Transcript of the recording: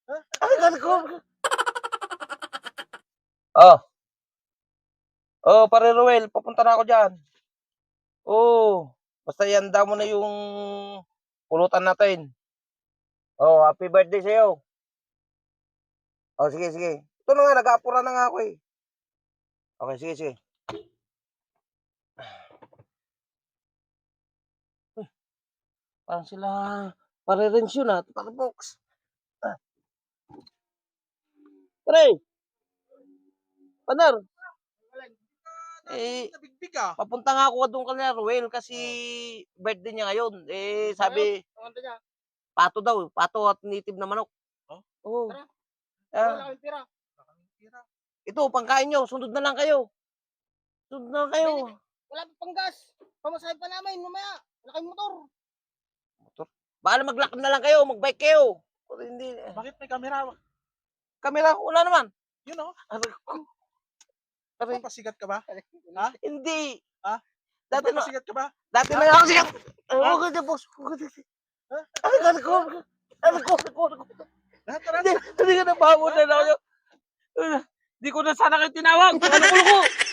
Ay, ko. Oh. Oh, pare Ruel, papunta na ako diyan. Oo. Basta ihanda mo na yung pulutan natin. Oh, happy birthday sa'yo. Oh, sige, sige. Ito na nga, nag-aapura na nga ako eh. Okay, sige, sige. Parang sila pare-rents yun ah. Pare Box. Pare, panar. Eh, Nabigbig ah. papunta nga ako doon kanina, Ruel, kasi birthday niya ngayon. Eh, sabi, Ano niya? pato daw. Pato at native na manok. Oh? Oo. Tara. Ah, Wala kaming pira. Wala kaming pira. ito, pangkain nyo. Sunod na lang kayo. Sunod na lang kayo. Wala pa pang gas. Pamasahe pa namin mamaya. Wala kaming motor. Motor. Baka mag-lock na lang kayo. Mag-bike kayo. Pero hindi. Bakit may camera? Kamera, wala naman. Yun oh. Aray, Papasigat ka ba? Ha? hindi. Ha? Dati na, Papasigat ka ba? dati na ako siya. Ha? Huwag ka dyan, boss. Huwag ka dyan. Ha? Ay, ko. Tara. Hindi ka na bahamon na lang. Hindi ko na sana kayo tinawag. Ano ko.